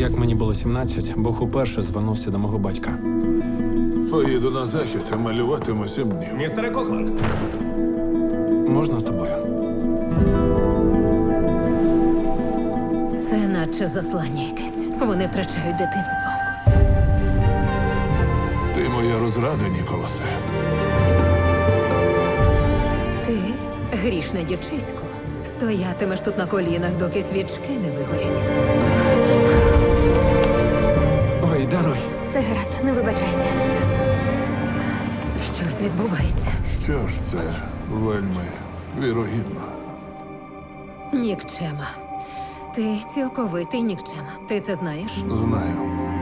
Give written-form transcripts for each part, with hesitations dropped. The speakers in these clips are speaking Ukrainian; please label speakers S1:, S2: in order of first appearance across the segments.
S1: Як мені було 17, Бог уперше звернувся до мого батька.
S2: Поїду на захід, а малюватиму 7 днів.
S3: Містере Кокланд,
S1: Можна з тобою?
S4: Це наче заслання якесь. Вони втрачають дитинство.
S2: Ти моя розрада, Ніколасе.
S4: Ти, грішне дівчисько, стоятимеш тут на колінах, доки свічки не вигорять.
S1: Ой, даруй.
S5: Все гаразд, не вибачайся.
S4: Щось відбувається.
S2: Що ж це вельми вірогідно.
S4: Нікчема. Ти цілковитий нікчема. Ти це знаєш?
S2: Знаю.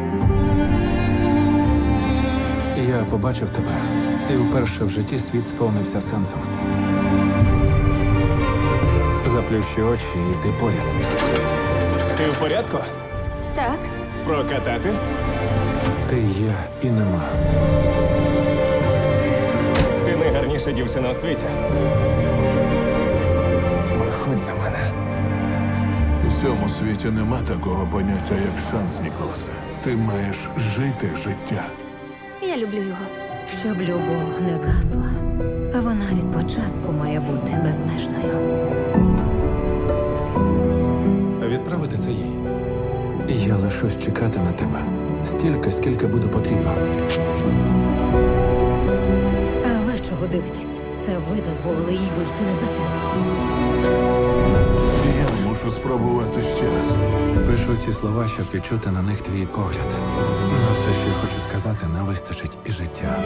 S1: Я побачив тебе, і вперше в житті світ сповнився сенсом. Заплющи очі і йди поряд.
S3: ти в порядку?
S5: Так,
S3: Прокатати?
S1: Ти є і нема.
S3: Ти найгарніша дівчина у світі. Виходь за мене.
S2: У цьому світі нема такого поняття, як шанс, Ніколасе. Ти маєш жити життя.
S5: я люблю його.
S4: Щоб любов не згасла, а вона від початку має бути безмежною.
S1: Відправити це їй. Я лишусь чекати на тебе. Стільки, скільки буде потрібно.
S4: А ви чого дивитесь? Це ви дозволили їй вийти не за того.
S2: Я мушу спробувати ще раз.
S1: Пишу ці слова, щоб відчути на них твій погляд. На все, що я хочу сказати, не вистачить і життя.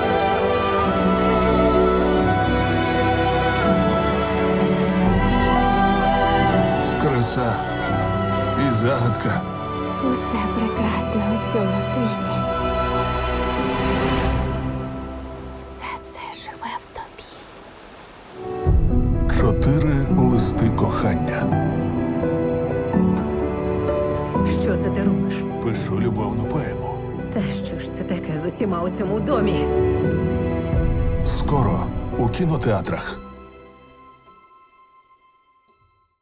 S2: Краса і загадка.
S5: Усе прекрасне у цьому світі. Все це живе в тобі.
S2: 4 листи кохання.
S4: Що це ти робиш?
S2: Пишу любовну поему.
S4: Та що ж це таке з усіма у цьому домі?
S2: Скоро у кінотеатрах.